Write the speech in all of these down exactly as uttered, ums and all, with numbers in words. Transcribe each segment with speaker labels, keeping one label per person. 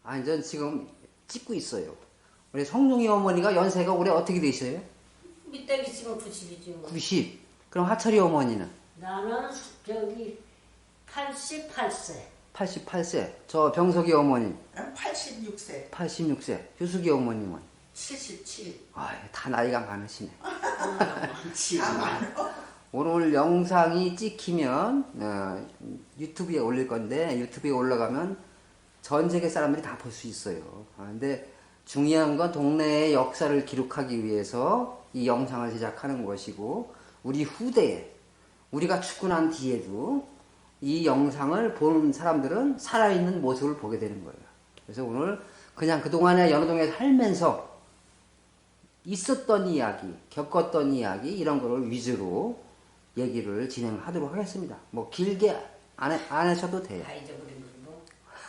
Speaker 1: 아니, 전 지금 찍고 있어요. 우리 성룡이 어머니가 연세가 올해 어떻게 되셔요?
Speaker 2: 밑에 있으면 구십이지 뭐.
Speaker 1: 구십. 그럼 하철이 어머니는?
Speaker 2: 나는 저기 팔십팔 세.
Speaker 1: 팔십팔 세. 저 병석이 어머니
Speaker 3: 난 팔십육 세.
Speaker 1: 팔십육 세. 유숙이 어머님은?
Speaker 2: 칠십칠.
Speaker 1: 아, 다 나이가 많으시네.
Speaker 2: 많지.
Speaker 3: 다 많아.
Speaker 1: 오늘 영상이 찍히면 어, 유튜브에 올릴 건데 유튜브에 올라가면 전 세계 사람들이 다 볼 수 있어요. 아, 근데 중요한 건 동네의 역사를 기록하기 위해서 이 영상을 제작하는 것이고 우리 후대에 우리가 죽고 난 뒤에도 이 영상을 보는 사람들은 살아있는 모습을 보게 되는 거예요. 그래서 오늘 그냥 그동안에 연호동에 살면서 있었던 이야기, 겪었던 이야기 이런 거를 위주로 얘기를 진행하도록 하겠습니다. 뭐 길게 안, 해, 안 하셔도 돼요.
Speaker 2: 다 잊어버린 뭐.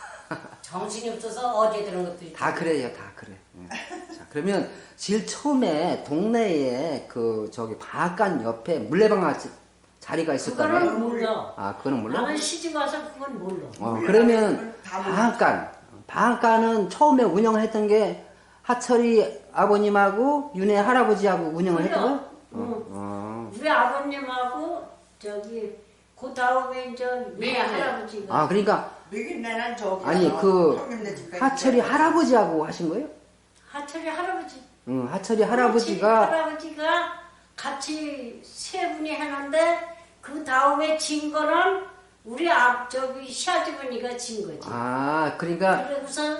Speaker 2: 정신이 없어서 어제 들은 것도 있고.
Speaker 1: 다 그래요, 다 그래. 예. 자, 그러면 제일 처음에 동네에 그 저기 방앗간 옆에 물레방아 자리가 있었다면?
Speaker 2: 그거는 몰라.
Speaker 1: 아, 그거는 몰라?
Speaker 2: 나는 시집 와서 그건 몰라.
Speaker 1: 어, 그러면 방앗간, 방앗간은 처음에 운영을 했던 게 하철이 아버님하고 윤혜 할아버지하고 운영을
Speaker 2: 그래요.
Speaker 1: 했던 거야?
Speaker 2: 응.
Speaker 1: 어.
Speaker 2: 우리 아버님하고 저기 그 다음에 이제 우리 할아버지가.
Speaker 1: 아, 그러니까
Speaker 3: 맥인네는 저기
Speaker 1: 아니 그
Speaker 3: 형님네 집까지
Speaker 1: 하철이
Speaker 3: 있어요.
Speaker 1: 할아버지하고 하신 거예요?
Speaker 2: 하철이 할아버지.
Speaker 1: 응, 하철이 할아버지가
Speaker 2: 할아버지가 같이 세 분이 하는데 그 다음에 진 거는 우리 앞 저기 시아주머니가 진 거지.
Speaker 1: 아, 그러니까
Speaker 2: 그래서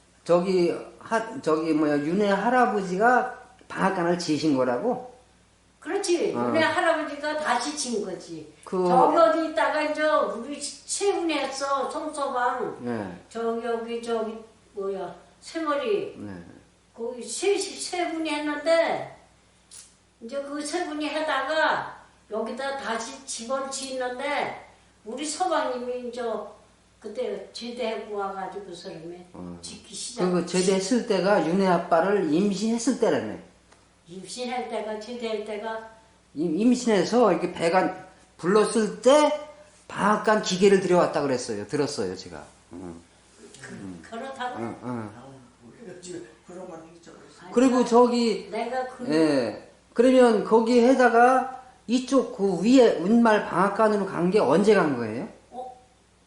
Speaker 1: 저기 하 저기 뭐야 윤혜 할아버지가 방앗간을 지으신 거라고?
Speaker 2: 그렇지.
Speaker 1: 어.
Speaker 2: 우리 할아버지가 다시 진 거지.
Speaker 1: 그-
Speaker 2: 저기 어디 있다가 이제 우리 세 분이 했어. 송서방.
Speaker 1: 네,
Speaker 2: 저기 여기 저기 뭐야 새머리.
Speaker 1: 네.
Speaker 2: 거기 세, 세 분이 했는데 이제 그 세 분이 하다가 여기다 다시 집을 짓는데 우리 서방님이 이제 그때 제대하고 와가지고 사람에
Speaker 1: 어.
Speaker 2: 짓기 시작.
Speaker 1: 그 제대했을 때가 윤혜 아빠를 임신했을 때라며.
Speaker 2: 임신할 때가 제대할 때가
Speaker 1: 임- 임신해서 이렇게 배가 불렀을 때 방앗간 기계를 들여왔다 그랬어요. 들었어요, 제가. 응,
Speaker 2: 그, 그렇다고.
Speaker 1: 응, 응.
Speaker 3: 우리가 지금 그런 건 잊어버렸어.
Speaker 2: 아니,
Speaker 1: 그리고 저기
Speaker 2: 내가 그
Speaker 1: 예. 그러면 거기에다가 이쪽 그 위에 운말 방앗간으로 간 게 언제 간 거예요?
Speaker 2: 어?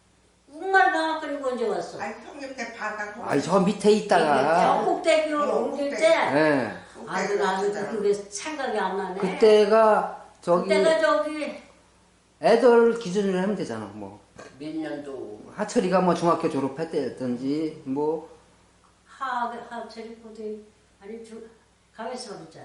Speaker 2: 우말 방학까지 언제 왔어?
Speaker 3: 아니 형님네 바가
Speaker 1: 아니 저 밑에 있다가
Speaker 2: 저 꼭대기로
Speaker 3: 어,
Speaker 2: 옮길
Speaker 3: 꼭대기.
Speaker 2: 때
Speaker 1: 예.
Speaker 2: 아주 나는 그게 생각이 안 나네.
Speaker 1: 그때가 저기
Speaker 2: 그때가 저기
Speaker 1: 애들 기준으로 하면 되잖아. 뭐
Speaker 2: 몇 년도
Speaker 1: 하철이가 뭐 중학교 졸업했다든지 뭐
Speaker 2: 하 하철이 고등 아니 주 가면서 보자.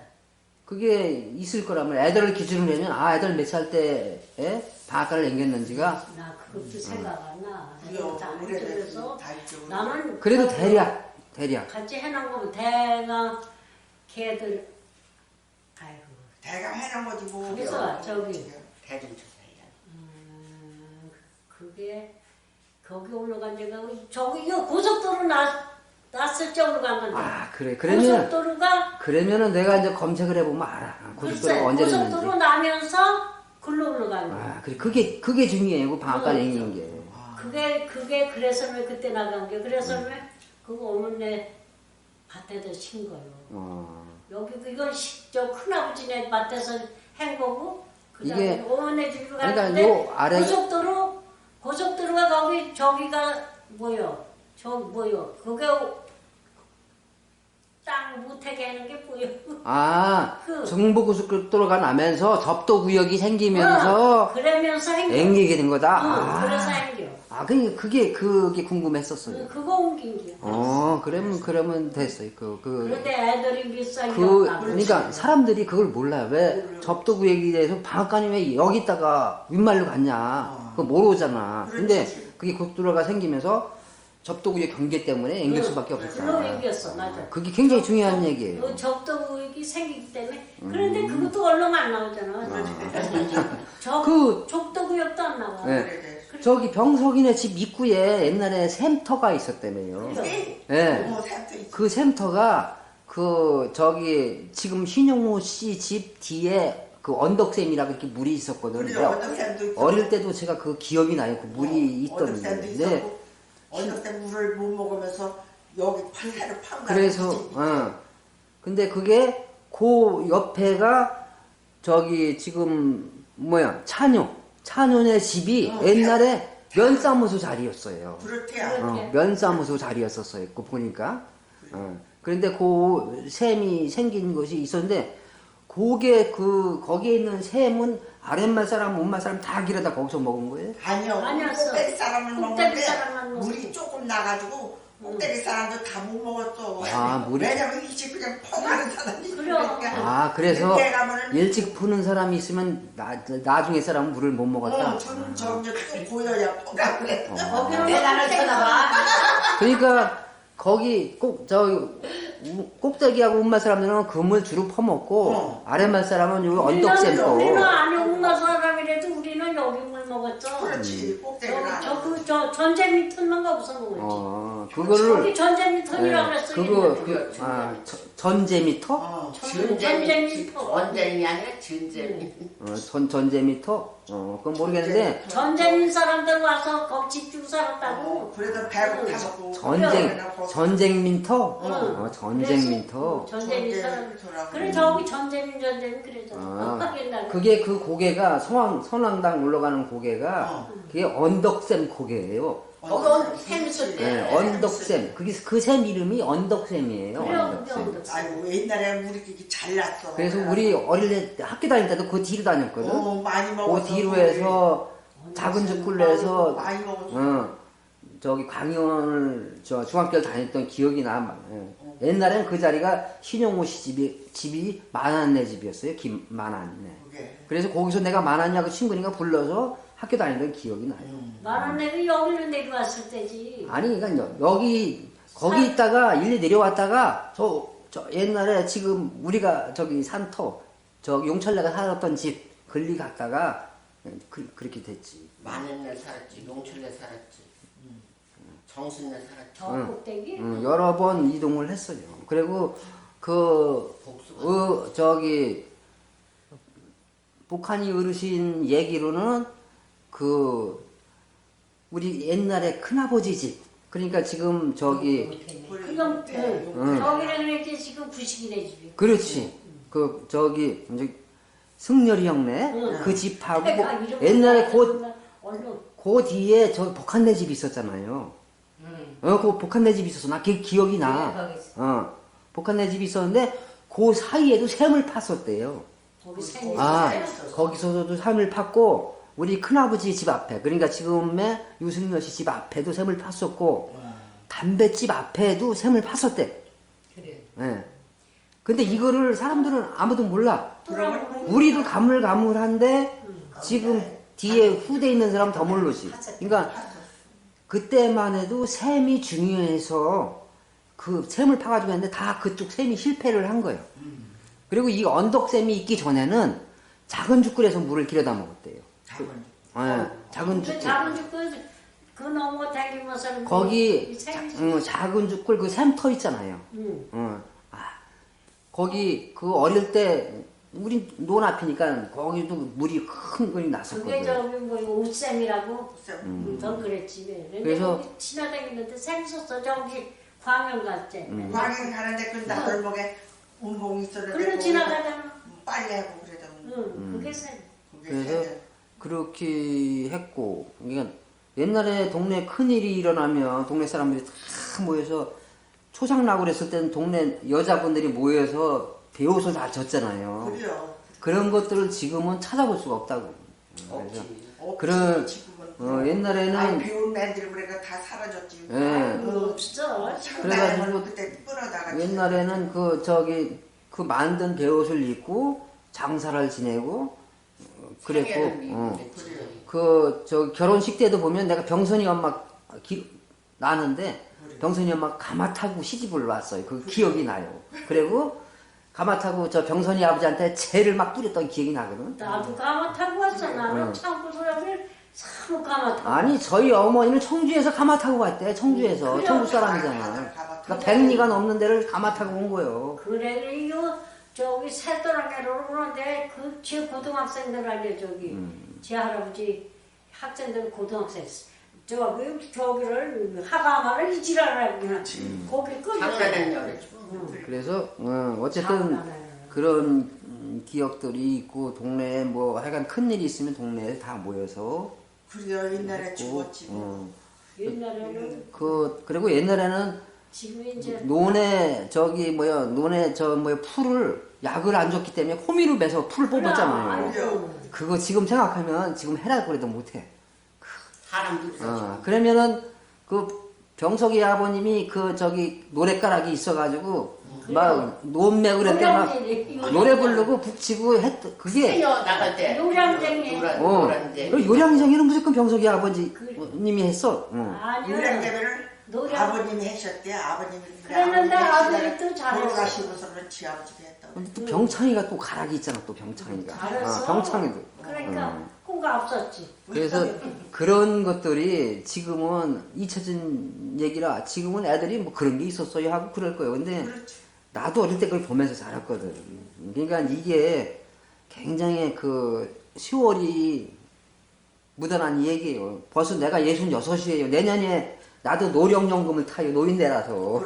Speaker 1: 그게 있을 거라면 애들을 기준으로 하면 아 애들 몇 살 때에 방앗간을 옮겼는지가
Speaker 2: 나 그것도 생각 안 나.
Speaker 3: 그래요.
Speaker 2: 안
Speaker 3: 오래돼서
Speaker 2: 그래서
Speaker 3: 다 잊어버렸어.
Speaker 2: 나는
Speaker 1: 그래도
Speaker 2: 저-
Speaker 1: 대략 대략
Speaker 2: 같이 해놓은 거면 대가 걔들 아이고
Speaker 3: 대강 해놓은 거지 뭐.
Speaker 2: 그래서 저기
Speaker 4: 대중조사이라.
Speaker 2: 음, 그게 거기 올라간 데가 저기 이거 고속도로 나 났을 적으로 간 건데.
Speaker 1: 아 그래 그러면
Speaker 2: 고속도로가
Speaker 1: 그러면은 내가 이제 검색을 해보면 알아.
Speaker 2: 글쎄
Speaker 1: 고속도로가 언제 됐는지.
Speaker 2: 고속도로 나면서 글로 올라간 거.
Speaker 1: 아, 그래. 그게, 그게 중요해요. 그 방앗간
Speaker 2: 그렇죠.
Speaker 1: 앵긴 게.
Speaker 2: 그게 그게 그래서 왜 그때 나간 게 그래서 왜 그거 어머네 밭에다 친 거요.
Speaker 1: 어.
Speaker 2: 여기 그 이건 시- 저 큰아버지네 밭에서 한 거고
Speaker 1: 이게-
Speaker 2: 그다음에 어머네 집으로
Speaker 1: 그러니까
Speaker 2: 갔는데
Speaker 1: 요 아래-
Speaker 2: 고속도로 고속도로가 거기 저기가 뭐요? 저 뭐요? 그게 땅 못하게 하는 게 뭐요?
Speaker 1: 아,
Speaker 2: 그-
Speaker 1: 중부고속도로가 나면서 접도구역이 생기면서
Speaker 2: 어, 그러면서 행겨.
Speaker 1: 앵기게 된 거다.
Speaker 2: 어,
Speaker 1: 아,
Speaker 2: 그래서 행겨.
Speaker 1: 아, 그게, 그게, 그게 궁금했었어요.
Speaker 2: 그- 그거 옮긴 게.
Speaker 1: 어, 그러면, 그러면 됐어요. 그, 그,
Speaker 2: 그런데 애들이 비싸게
Speaker 1: 그,
Speaker 2: 없다.
Speaker 1: 그러니까 사람들이 그걸 몰라요. 왜 접도구역에 대해서 방앗간이 왜 여기다가 윗말로 갔냐. 그거 모르잖아. 근데
Speaker 3: 그렇지.
Speaker 1: 그게 고속도로가 생기면서 접도구역 경계 때문에 앵길 수밖에
Speaker 2: 그로
Speaker 1: 없었다.
Speaker 2: 옮겼어, 맞아.
Speaker 1: 그게 굉장히 중요한 얘기예요.
Speaker 2: 그 적도구역이 생기기 때문에. 그런데 그것도 얼른 안 나오잖아. 적,
Speaker 1: 그-
Speaker 2: 적도구역도 안 나와.
Speaker 1: 네.
Speaker 3: 그래.
Speaker 1: 저기 병석이네 집 입구에 옛날에 샘터가 있었다며요.
Speaker 2: 그래.
Speaker 1: 예.
Speaker 3: 뭐 샘도 있어.
Speaker 1: 그 샘터가 그 저기 지금 신용호 씨 집 뒤에 그 언덕샘이라고 이렇게 물이 있었거든요.
Speaker 3: 그래 어떤 샘도 있어.
Speaker 1: 어릴 때도 제가 그 기억이 나요. 그 물이
Speaker 3: 어떤
Speaker 1: 있던
Speaker 3: 샘도
Speaker 1: 데. 네.
Speaker 3: 있었고 어떤 때 물을 못 먹으면서 여기 팔레로 판
Speaker 1: 그래서 어. 근데 그게 그 옆에가 저기 지금 뭐야 찬요 찬요네 집이
Speaker 3: 어,
Speaker 1: 옛날에 면사무소 자리였어요.
Speaker 3: 그렇대요.
Speaker 1: 어, 면사무소 자리였었어요. 그 보니까. 어. 그런데 그 샘이 생긴 것이 있었는데 그게 그 거기에 있는 샘은 아랫말 사람, 윗말 사람 다 길에다 거기서 먹은 거예요.
Speaker 3: 아니요.
Speaker 2: 아니었어.
Speaker 3: 꼭대기 사람을
Speaker 2: 꼭대기
Speaker 3: 먹는데
Speaker 2: 사람만 먹고.
Speaker 3: 물이 조금 나가지고 꼭대기 사람도 다 못 먹었어.
Speaker 1: 아, 물이-
Speaker 3: 왜냐면 이 집 그냥 퍼가는 사람이
Speaker 2: 그래.
Speaker 3: 있으니까.
Speaker 1: 아 그래서
Speaker 3: 그때 가면은
Speaker 1: 일찍 푸는 사람이 있으면 나, 나중에 사람은 물을 못 먹었다.
Speaker 3: 어, 좀 점점 또 보여야 퍼가 그래.
Speaker 2: 거기는
Speaker 4: 계단을 쳐다봐.
Speaker 1: 그러니까 거기 꼭 저 꼭대기하고 윗말 사람들은 그물 주로 퍼먹고
Speaker 3: 어.
Speaker 1: 아랫말 사람은 요
Speaker 2: 우리는
Speaker 1: 언덕샘
Speaker 2: 우리는
Speaker 1: 거.
Speaker 2: 아니 엄마 사람이라도 우리는 여기 물 먹었죠.
Speaker 3: 그렇지. 꼭대기가.
Speaker 2: 저그저 전제 밑턴만 가고서 먹었지.
Speaker 1: 어
Speaker 2: 저기
Speaker 1: 그거를
Speaker 2: 전제 밑턴이라고
Speaker 1: 예,
Speaker 2: 그랬어.
Speaker 1: 그거
Speaker 2: 옛날에.
Speaker 1: 그, 아 저- 전제미터?
Speaker 3: 어.
Speaker 4: 전쟁이
Speaker 2: 전쟁이
Speaker 4: 전쟁이 아니라 전쟁이.
Speaker 1: 어, 전 전제미터? 어 그건 모르겠는데
Speaker 2: 전쟁인 사람들 와서 거기 집 주고 살았다고.
Speaker 3: 어, 그래도 배고 타먹고.
Speaker 1: 전쟁 전쟁민터? 어,
Speaker 2: 응.
Speaker 1: 전쟁민터.
Speaker 2: 전쟁인 사람.
Speaker 3: 전쟁터라고.
Speaker 2: 그래 저기 전쟁인 전쟁 그래잖아.
Speaker 1: 아,
Speaker 2: 옛날에.
Speaker 1: 그게 그 고개가 성황 선왕당 올라가는 고개가
Speaker 3: 어.
Speaker 1: 그게 언덕샘 고개예요.
Speaker 4: 거기 샘 있을 때.
Speaker 1: 네, 언덕샘. 그게 그 샘 이름이 언덕샘이에요.
Speaker 2: 그래요,
Speaker 1: 언덕샘.
Speaker 2: 그게 언덕.
Speaker 3: 아이고 옛날에 우리 끼기 잘났어.
Speaker 1: 그래서 우리 어릴 때 학교 다닐 때도 그 뒤로 다녔거든.
Speaker 3: 어, 많이
Speaker 1: 그
Speaker 3: 먹었어.
Speaker 1: 뒤로 해서 작은 죽굴로 해서
Speaker 3: 많이 먹었어.
Speaker 1: 어, 저기 광연을 저 중학교를 다녔던 기억이 나. 예. 옛날엔 그 자리가 신용호 씨 집이 집이 만안네 집이었어요. 김 만안네.
Speaker 3: 그게.
Speaker 1: 그래서 거기서 내가 만안냐고 친구니까 불러서 학교 다니던 기억이 나요.
Speaker 3: 음.
Speaker 2: 말은 내가 여기로 내려왔을 때지.
Speaker 1: 아니 그러니까 여기 거기 있다가 일리 내려왔다가 저, 저 옛날에 지금 우리가 저기 산터 저 용철내가 살았던 집 걸리 갔다가 그, 그렇게 됐지.
Speaker 4: 만년내 살았지, 용철내 살았지, 정순내 살았지.
Speaker 2: 저
Speaker 1: 응.
Speaker 2: 꼭대기.
Speaker 1: 응, 여러 번 이동을 했어요. 그리고 그
Speaker 4: 복수가.
Speaker 1: 어, 저기 북한이 어르신 얘기로는 그 우리 옛날에 큰아버지 집 그러니까 지금 저기
Speaker 2: 그럼 응.
Speaker 1: 응.
Speaker 2: 저기는 이렇게 지금 구식이네 집이.
Speaker 1: 그렇지 그 저기 이제 승렬이 형네
Speaker 2: 응.
Speaker 1: 그 집하고
Speaker 2: 내가 이름
Speaker 1: 옛날에 그,
Speaker 2: 몰라. 얼른
Speaker 1: 그 뒤에 저 복한네 집 있었잖아요.
Speaker 4: 응.
Speaker 1: 어, 그 복한네 집이 있었어. 나 그 기억이 나.
Speaker 4: 그래, 거기 있어.
Speaker 1: 어, 복한네 집이 있었는데 그 사이에도 샘을 팠었대요.
Speaker 2: 거기 생긴
Speaker 1: 아,
Speaker 2: 사람.
Speaker 1: 거기서도 샘을 팠고 우리 큰아버지 집 앞에 그러니까 지금의 유승열 씨 집 앞에도 샘을 팠었고 담배집 앞에도 샘을 팠었대.
Speaker 4: 그래.
Speaker 1: 예. 근데 이거를 사람들은 아무도 몰라.
Speaker 3: 그러면
Speaker 1: 우리도 가물가물한데 지금 뒤에 후대에 있는 사람 더 모르지. 그러니까 그때만 해도 샘이 중요해서 그 샘을 파가지고 했는데 다 그쪽 샘이 실패를 한 거예요. 그리고 이 언덕샘이 있기 전에는 작은 죽굴에서 물을 길어다 먹었대요.
Speaker 3: 작은.
Speaker 1: 예, 작은
Speaker 2: 그
Speaker 1: 죽굴.
Speaker 2: 작은 죽그 그 넘어 다니면서
Speaker 1: 거기
Speaker 2: 이
Speaker 1: 자,
Speaker 2: 생긴
Speaker 1: 응, 작은 죽굴 그 샘터 있잖아요.
Speaker 2: 응.
Speaker 1: 어, 아, 거기 그 어릴 때 우리 논 앞이니까 거기도 물이 큰 거리
Speaker 2: 그게
Speaker 1: 났었거든.
Speaker 2: 저기 뭐 옷샘이라고
Speaker 3: 음.
Speaker 2: 전 그랬지. 근데
Speaker 1: 그래서-
Speaker 2: 거기 지나다니는데 샘 있었어. 저기 광양 갈 때.
Speaker 1: 음.
Speaker 3: 광양 가는데 그 나들목에 운봉이 있었는데
Speaker 2: 그래
Speaker 3: 거기서
Speaker 2: 지나가잖아.
Speaker 3: 빨리 하고 그래도
Speaker 2: 응. 그게 샘.
Speaker 3: 그게
Speaker 1: 그래서
Speaker 3: 세대.
Speaker 1: 그렇게 했고, 그러니까 옛날에 동네 큰 일이 일어나면 동네 사람들이 다 모여서 초상락을 했을 때는 동네 여자분들이 모여서 배옷을 다 졌잖아요.
Speaker 3: 그래요.
Speaker 1: 그런 것들을 지금은 찾아볼 수가 없다고. 그래서
Speaker 4: 없지.
Speaker 3: 없지,
Speaker 1: 그런-
Speaker 3: 지금은.
Speaker 1: 어, 옛날에는
Speaker 3: 아니 비온 애들이 그러니까 다 사라졌지.
Speaker 1: 예.
Speaker 2: 그 없어.
Speaker 1: 그래가지고
Speaker 3: 그래가지고 그때 끌어다가
Speaker 1: 옛날에는 그 저기 그 만든 배옷을 입고 장사를 지내고 어, 그랬고
Speaker 4: 상해를
Speaker 1: 어.
Speaker 4: 입고 그랬지.
Speaker 1: 그 저 결혼식 때도 보면 내가 병선이 엄마 기, 나는데 병선이 엄마 가마 타고 시집을 왔어요. 그 기억이 나요. 그리고 가마 타고 저 병선이 아버지한테 재를 막 뿌렸던 기억이 나거든.
Speaker 2: 나도 가마 타고 왔어. 나는
Speaker 1: 응.
Speaker 2: 창고 소리를 사무 가마 타고.
Speaker 1: 아니 저희 어머니는 청주에서 가마 타고 왔대. 청주에서
Speaker 2: 그래요.
Speaker 1: 청주 사람이잖아. 그러니까 백리가 넘는 데를 가마 타고 온 거예요.
Speaker 2: 그래 이거 저기 새도랑에로 오는데 그제 고등학생들 아니야 저기
Speaker 1: 음.
Speaker 2: 제 할아버지 학생들 고등학생 저기 저기를 하가마를 이지라라 그냥 거기 끄.
Speaker 4: 장난했냐 그랬지.
Speaker 1: 그래서 어, 어쨌든 그런 음, 기억들이 있고 동네에 뭐 하여간 큰 일이 있으면 동네에 다 모여서
Speaker 3: 그래요 옛날에
Speaker 1: 있고,
Speaker 3: 죽었지 뭐.
Speaker 1: 어,
Speaker 2: 옛날에는
Speaker 1: 그 그리고 옛날에는
Speaker 2: 지금 이제
Speaker 1: 논에 저기 뭐야 논에 저 뭐야 풀을 약을 안 줬기 때문에 호미로 매서 풀을 뽑았잖아요.
Speaker 2: 아이고.
Speaker 1: 그거 지금 생각하면 지금 해라 그래도 못해.
Speaker 4: 사람도 있어.
Speaker 1: 어, 그러면은 그 병석이 아버님이 그 저기 노래가락이 있어가지고 막 논매 그럴 때 막 노래 부르고 북치고 했 그게
Speaker 4: 해녀 나갈 때.
Speaker 2: 요량쟁이.
Speaker 4: 노란
Speaker 1: 어
Speaker 4: 노란쟁이.
Speaker 1: 그 요량쟁이는 무조건 병석이 아버지님이 했어. 어.
Speaker 2: 아니요.
Speaker 3: 유량대면을
Speaker 2: 노래-
Speaker 3: 아버님이 하셨대 아버님이
Speaker 2: 그랬는데 아들이 또 잘했어.
Speaker 3: 돌아가시고서 그렇지 아버지가 했다고.
Speaker 1: 근데 또 병창이가 또 가락이 있잖아 또 병창이가.
Speaker 2: 잘했어.
Speaker 1: 어, 병창이도.
Speaker 2: 그러니까
Speaker 1: 음.
Speaker 2: 꿈가 없었지.
Speaker 1: 그래서 그런 것들이 지금은 잊혀진 얘기라 지금은 애들이 뭐 그런 게 있었어요 하고 그럴 거예요. 근데
Speaker 3: 그렇지.
Speaker 1: 나도 어릴 때 그걸 보면서 자랐거든. 그러니까 이게 굉장히 그 시월이 묻어난 얘기예요. 벌써 내가 예순여섯이에요. 내년에 나도 노령연금을 타요. 노인네라서.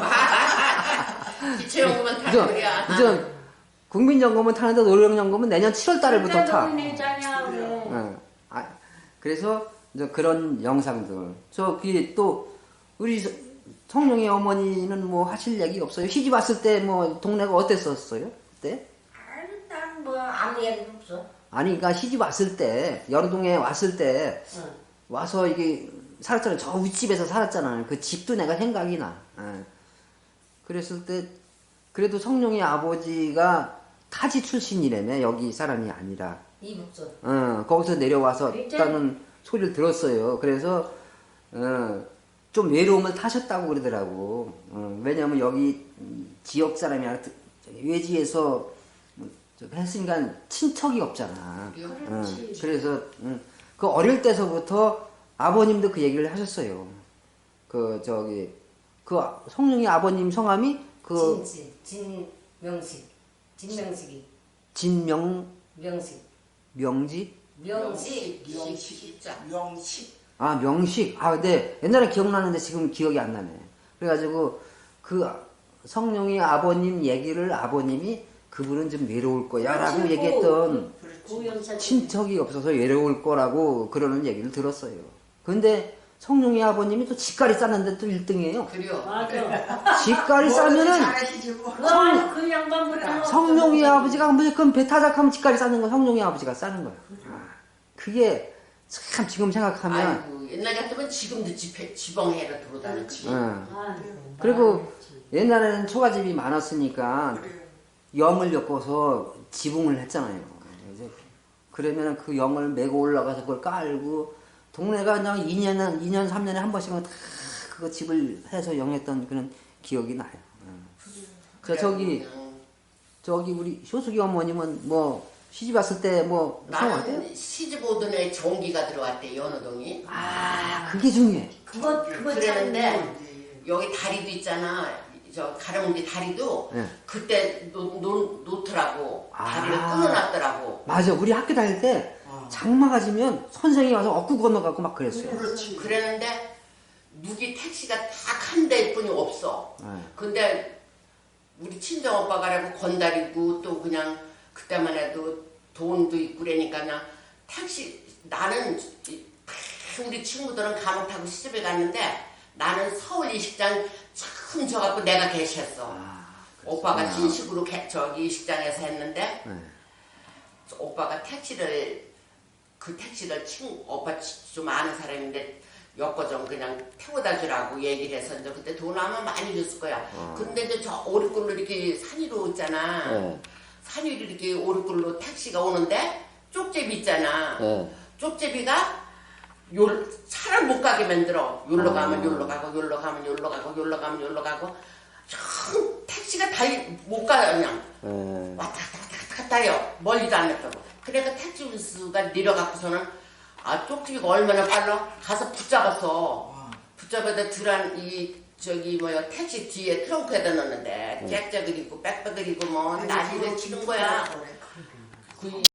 Speaker 4: 기초연금은 다
Speaker 1: 그죠?
Speaker 4: 그래야.
Speaker 1: 그죠? 국민연금은 타는데 노령연금은 내년 칠월 달부터 타.
Speaker 2: 내자냐 왜?
Speaker 1: 어. 아, 그래서 이제 그런 영상들. 저기 또 우리 서- 성룡이 어머니는 뭐 하실 얘기 없어요? 시집 왔을 때 뭐 동네가 어땠었어요? 그때?
Speaker 2: 아니 난뭐 아무 얘기도 없어.
Speaker 1: 아니 그러니까 시집 왔을 때 여러동에 왔을 때
Speaker 2: 응.
Speaker 1: 와서 이게 살았잖아요. 저 윗집에서 살았잖아요. 그 집도 내가 생각이 나. 예. 그랬을 때 그래도 성룡이 아버지가 타지 출신이라며 여기 사람이 아니라
Speaker 2: 이북선.
Speaker 1: 어, 거기서 내려와서
Speaker 2: 진짜?
Speaker 1: 있다는 소리를 들었어요. 그래서 어, 좀 외로움을 타셨다고 그러더라고. 어, 왜냐면 여기 음, 지역 사람이 아니라 저기 외지에서 뭐 저기 했으니까 친척이 없잖아. 어,
Speaker 2: 그렇지.
Speaker 1: 그래서 음, 그 어릴 때서부터 아버님도 그 얘기를 하셨어요. 그 저기 그 성룡이 아버님 성함이 그
Speaker 5: 진지 진명식 진명식이
Speaker 1: 진명
Speaker 5: 명식
Speaker 1: 명지
Speaker 5: 명식
Speaker 4: 명식이자.
Speaker 3: 명식.
Speaker 1: 아 명식 아 근데 옛날에 기억나는데 지금 기억이 안 나네. 그래가지고 그 성룡이 아버님 얘기를 아버님이 그분은 좀 외로울 거야라고
Speaker 2: 그렇지,
Speaker 1: 얘기했던
Speaker 2: 고영사
Speaker 1: 친척이 없어서 외로울 거라고 그러는 얘기를 들었어요. 근데 성룡이 아버님이 또 집가리 쌌는데 또 일 등이에요.
Speaker 4: 그래요.
Speaker 2: 맞아.
Speaker 1: 집가리
Speaker 3: 뭐든지
Speaker 1: 싸면은
Speaker 3: 잘하시지 뭐.
Speaker 2: 그 아니 그 양반보다
Speaker 1: 성룡이 아버지가 무조건 배 타작하면 집가리 싸는 거 성룡이 아버지가 싸는 거야. 아, 그게 참 지금 생각하면
Speaker 4: 아이고 옛날 같으면 지금도 집회, 지방해로 들어다녔지.
Speaker 1: 응.
Speaker 2: 아,
Speaker 1: 그리고 옛날에는 초가집이 많았으니까 영을 엮어서 지붕을 했잖아요. 이제 그러면 그 영을 메고 올라가서 그걸 깔고 동네가 그냥 이 년은 이 년 삼 년에 한 번씩은 다 그거 집을 해서 영했던 그런 기억이 나요. 응. 저 저기
Speaker 4: 그냥
Speaker 1: 저기 우리 효숙이 어머님은 뭐 시집 왔을 때 뭐 생활해요?
Speaker 4: 나는 시집 오던 애 전기가 들어왔대 연호동이.
Speaker 1: 아 그게 중요해.
Speaker 2: 그거 그거
Speaker 4: 그랬는데 여기 다리도 있잖아. 저 가랑비 다리도
Speaker 1: 네.
Speaker 4: 그때 놓, 놓, 놓더라고.
Speaker 1: 아.
Speaker 4: 다리를 끊어놨더라고.
Speaker 1: 맞아 우리 학교 다닐 때 장마가 지면 선생이 와서 엇구 건너가고 막 그랬어요.
Speaker 3: 그렇지.
Speaker 4: 그랬는데 누기 택시가 딱 한 대뿐이 없어.
Speaker 1: 네.
Speaker 4: 근데 우리 친정 오빠가라고 건달이고 또 그냥 그때만 해도 돈도 있고 그러니까 그냥 택시 나는 이- 우리 친구들은 감옥 타고 시집에 갔는데 나는 서울 이식장 처음 져갖고 내가 계셨어.
Speaker 1: 아,
Speaker 4: 오빠가 진식으로 개- 저기 이식장에서 했는데
Speaker 1: 네.
Speaker 4: 오빠가 택시를 그 택시를 친 오빠 치- 좀 아는 사람인데 엮어 좀 그냥 태워다 주라고 얘기를 해서 이제 그때 돈 아마 많이 줬을 거야. 근데 이제 저 오리굴로 이렇게 산 위로 있잖아.
Speaker 1: 네.
Speaker 4: 산 위로 이렇게 오리굴로 택시가 오는데 쪽제비 있잖아.
Speaker 1: 네.
Speaker 4: 쪽제비가 요 차를 못 가게 만들어. 요로
Speaker 1: 아.
Speaker 4: 가면 요로 가고 요로 가면 요로 가고 요로 가면 요로 가고 참 택시가 달리 못 가요 그냥.
Speaker 1: 네.
Speaker 4: 왔다 갔다 왔다 갔다 갔다 해요. 멀리도 안 했다고. 그래서 택시 운수가 내려갖고서는 아 쪽지비가 얼마나 빨라? 가서 붙잡아서 붙잡아다 들한 이 저기 뭐야 택시 뒤에 트렁크에다 넣었는데 잭잭을 입고 백백을 입고 뭐 난리를 치는 거야. 그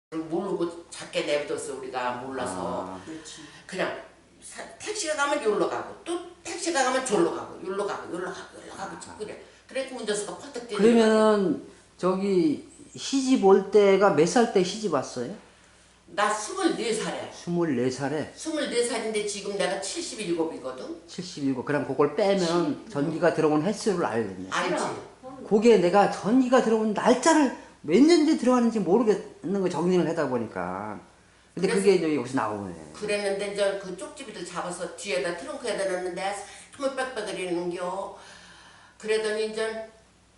Speaker 4: 모르고 작게 내비뒀어 우리가 몰라서.
Speaker 1: 아,
Speaker 3: 그렇지.
Speaker 4: 그냥 사- 택시가 가면 여기로 가고 또 택시가 가면 저기로 가고 여기로 가고 여기로 가고 여기로 가고 자꾸 그래. 그래 운전수가 퍼뜩 뛰는 거야.
Speaker 1: 그러면은 저기 시집 올 때가 몇 살 때 시집 왔어요?
Speaker 4: 나 스물네 살에
Speaker 1: 스물네 살에
Speaker 4: 스물네 살인데 지금 내가 칠십일곱이거든.
Speaker 1: 칠십칠. 그럼 그걸 빼면 전기가 들어온 횟수를 알겠네.
Speaker 4: 알지?
Speaker 1: 그게 내가 전기가 들어온 날짜를 몇 년째 들어왔는지 모르겠는 거 정리를 하다 보니까. 근데 그게 이제 여기서 나오네.
Speaker 4: 그랬는데 이제 그 쪽집이들 잡아서 뒤에다 트렁크에다 넣는데 참을 빽빽거리는겨. 그러더니 이제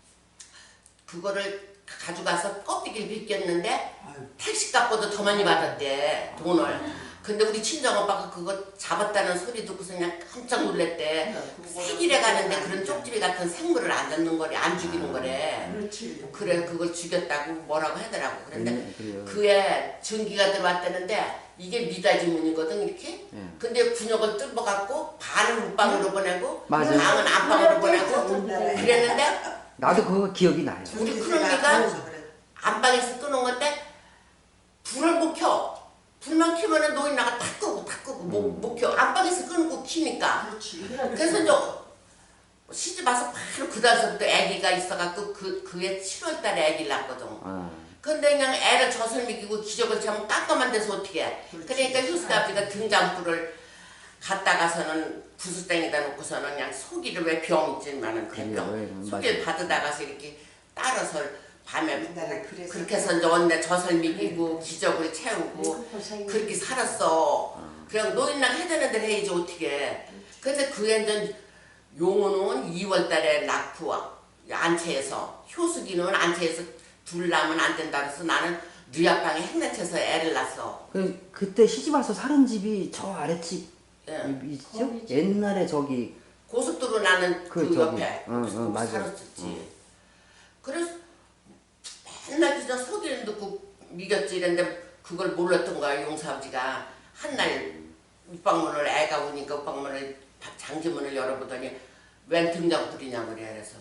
Speaker 4: 그거를 가져가서 껍데기를 벗겼는데 택시값보다 더 많이 받았대 돈을. 근데 우리 친정오빠가 그거 잡았다는 소리 듣고서 그냥 깜짝 놀랬대. 세길에 가는데 그런 쪽집이 같은 생물을 안 잡는 거래, 안 죽이는 거래.
Speaker 3: 그렇지.
Speaker 4: 그래 그걸 죽였다고 뭐라고 하더라고. 그런데
Speaker 1: 네, 그래요.
Speaker 4: 그에 전기가 들어왔다는데 이게 미닫이 문이거든 이렇게.
Speaker 1: 네.
Speaker 4: 근데 군역을 뚫어갖고 반은 웃방으로 보내고
Speaker 1: 맞아요.
Speaker 4: 방은 안방으로 보내고 그랬는데
Speaker 1: 나도 그거 기억이 나요.
Speaker 4: 우리 큰언니가 안방에서 끄는 건데 불을 못 켜. 불만 켜면은 노인나가 다 끄고 다 끄고 못, 못 켜. 안방에서 끄고 키니까.
Speaker 3: 그렇지.
Speaker 4: 그래서 이제 시집 와서 바로 그 달서부터 아기가 있어갖고 그 그해 칠월 달에 아기를 낳거든.
Speaker 1: 아,
Speaker 4: 근데 그냥 애를 젖을 먹이고 기저귀를 차면 깜깜한 데서 어떻게 해. 그러니까 효수가 아버지가 등잔불을 갖다가서는 부수땡에다 놓고서는 그냥 소기를 왜 병 있지만은
Speaker 1: 그래요,
Speaker 4: 그병
Speaker 1: 예,
Speaker 4: 소기를 받아다가서 이렇게 따라서 밤에
Speaker 3: 옛날에 그래서
Speaker 4: 그렇게 해서 이제 언제 젖을 먹이고 기저귀를 채우고 그렇게 살았어. 그냥 노인랑 해되는 대로 해야지 어떻게. 근데 그게 이제 용호는 이월 달에 낳고 안채에서 효숙이는 안채에서 둘 낳으면 안 된다 그래서 나는 누약방에 행내쳐서 애를 낳았어.
Speaker 1: 그 그때 시집 와서 사는 집이 저 아랫집
Speaker 4: 예.
Speaker 1: 있죠?
Speaker 2: 거기지.
Speaker 1: 옛날에 저기
Speaker 4: 고속도로 나는 그,
Speaker 1: 그 저기,
Speaker 4: 옆에
Speaker 1: 응, 응,
Speaker 4: 거기
Speaker 1: 맞아.
Speaker 4: 살았었지. 그래서 맨날 그저 소리를 듣고 미겼지 이랬는데 그걸 몰랐던 거야 용사아버지가. 한날 웃방문을 애가 오니까 웃방문을 장지문을 열어보더니 웬 등장불이냐고 그래. 그래서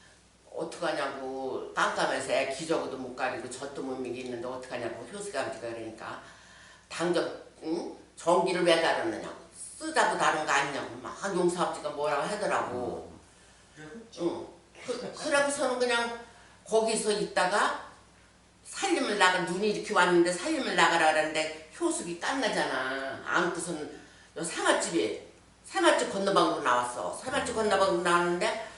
Speaker 4: 어떡하냐고 깜깜해서 애 기저귀도 못 가리고 젖도 못 먹이는데 어떡하냐고 효수가 아버지가 그러니까 당장 응? 전기를 왜 다루느냐고 쓰자고 다른 거 아니냐고 막 용사아버지가 뭐라고 하더라고. 응. 그, 그러고서는 그냥 거기서 있다가 살림을 나가 눈이 이렇게 왔는데 살림을 나가라 그러는데 효숙이 깐나잖아. 안고서는 요 상아집이 상아집 건너방으로 나왔어. 상아집 건너방으로 나왔는데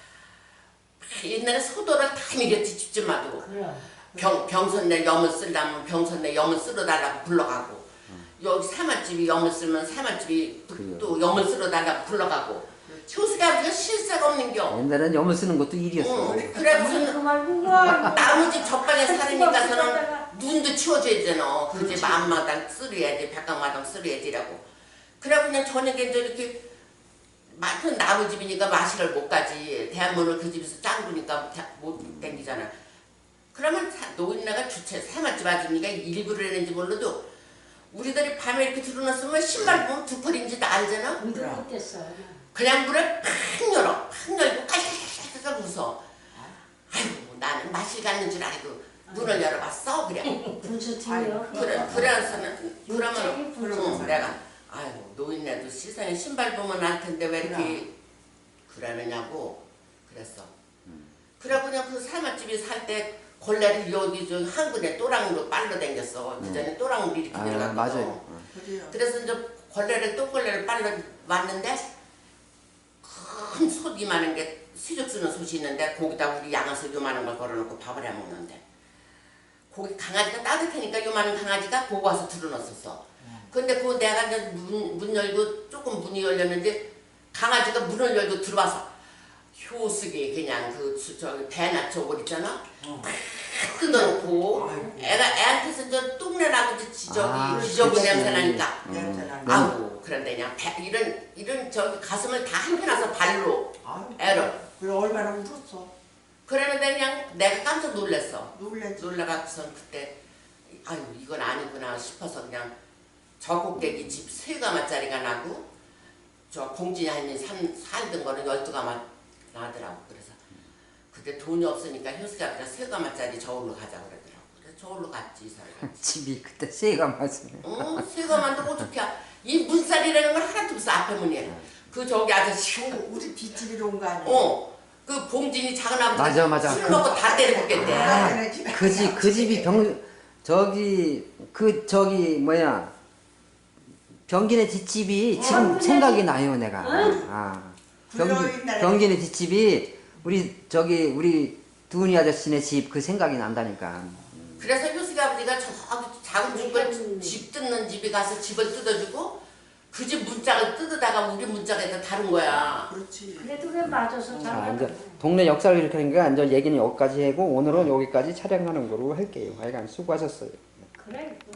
Speaker 4: 옛날에 소도를 다 밀었지 집집마다. 병, 병선내 염을 쓰려면 병선내 염을 쓸어달라고 불러가고 여기 사맛집이 염을 쓰면 사맛집이
Speaker 1: 그래요.
Speaker 4: 또 염을 쓸어달라고 불러가고 효숙이 아버지가 실세가 없는겨.
Speaker 1: 옛날엔 염을 쓰는 것도 일이었어.
Speaker 4: 응. 그래서
Speaker 2: 그 말고 와.
Speaker 4: 나무 집 적방에 살으니까서는 눈도 치워줘야 되잖아. 그 집 앞마당 쓸어야지, 백강마당 쓸어야지라고. 그래 그냥 저녁에 이제 이렇게 많은 나무 집이니까 마시를 못 가지. 대한문을 그 집에서 짱구니까 못 댕기잖아. 그러면 노인네가 주체 사맛집 아줌니가 일부러 했는지 몰라도 우리들이 밤에 이렇게 들어놨으면 신발 보면 두 펄인지도 알잖아.
Speaker 2: 우리도 못했어.
Speaker 4: 그냥 문을 팍 열어. 팍 열고 깔깔깔깔 웃어. 아이고 나는 마실 갔는 줄 알고 문을 열어봤어. 그래.
Speaker 2: 분수팀이요.
Speaker 4: 그래, 그래서는 그러면
Speaker 2: 갑자기
Speaker 4: 응, 내가 아이고 노인네도 세상에 신발 보면 알 텐데 왜 이렇게 그러느냐고 그랬어. 그래 그냥 그 사맛집이 살 때 걸레를 여기 저 한근에 또랑으로 빨러 댕겼어. 그 전에 또랑으로 이렇게
Speaker 1: 아,
Speaker 4: 들어갔거든.
Speaker 1: 맞아요.
Speaker 3: 그래요.
Speaker 4: 그래서 이제 걸레를 또 걸레를 빨러 왔는데 큰 솥 이만한 게 수육 쓰는 솥이 있는데 거기다 우리 양아서 요만한 걸 걸어놓고 밥을 해 먹는데 거기 강아지가 따뜻하니까 요만한 강아지가 보고 와서 들어놨었어. 근데 그 내가 이제 문, 문 열고 조금 문이 열렸는데 강아지가 문을 열고 들어와서 효숙이 그냥 그 저기 배나 저걸 있잖아. 탁 뜯어놓고 애가 애한테서 이제 똥내 나고 저기
Speaker 1: 아,
Speaker 4: 기저귀
Speaker 1: 그치.
Speaker 4: 냄새 나니까
Speaker 3: 냄새 나는.
Speaker 4: 아우 그런데 그냥 배, 이런 이런 저기 가슴을 다 한펴놔서 발로
Speaker 3: 아유,
Speaker 4: 애를
Speaker 3: 그래 얼마나 울었어.
Speaker 4: 그러는데 그냥 내가 깜짝 놀랐어.
Speaker 3: 놀랬지.
Speaker 4: 놀라갖고선 그때 아유 이건 아니구나 싶어서 그냥 저 꼭대기 집 세 가마짜리가 나고 저 공진이 한이 살던 거는 열두 가마 나더라고. 그래서 그때 돈이 없으니까 효수가 그냥 세 가마짜리 저울로 가자 그러더라고. 그래서 저걸로 갔지 이 사람.
Speaker 1: 집이 그때 새가 맞으네.
Speaker 4: 어, 새가만도 어떻게 이 문살이라는 건 하나도 없어 앞에 문에. 그 저기 아저씨.
Speaker 3: 그 우리 뒷집이로 온 거 아니야?
Speaker 4: 어. 그 봉진이 작은 아버지
Speaker 1: 맞아, 맞아.
Speaker 4: 술
Speaker 1: 그-
Speaker 4: 먹고 다 때려먹겠대.
Speaker 1: 아,
Speaker 3: 네, 집에
Speaker 1: 그 집, 그 집이 병, 저기, 그, 저기, 뭐야. 병기네 뒷집이 지금
Speaker 2: 어,
Speaker 1: 생각이 나요, 내가.
Speaker 2: 응?
Speaker 1: 아.
Speaker 3: 불러,
Speaker 1: 병기,
Speaker 3: 옛날에.
Speaker 1: 병기네 뒷집이 우리, 저기, 우리 두은이 아저씨네 집 그 생각이 난다니까.
Speaker 4: 그래서 효숙이 아버지가 저기 작은 집을
Speaker 2: 음.
Speaker 4: 집 뜯는 집에 가서 집을 뜯어주고 그 집 문짝을 뜯어다가 우리 문짝에다 다른 거야.
Speaker 3: 그렇지.
Speaker 2: 그래도 왜 맞아서
Speaker 1: 자,
Speaker 2: 잘
Speaker 1: 이제 동네 역사를 이렇게 하니까 이제 얘기는 여기까지 하고 오늘은 여기까지 촬영하는 거로 할게요. 하여간 수고하셨어요.
Speaker 2: 그래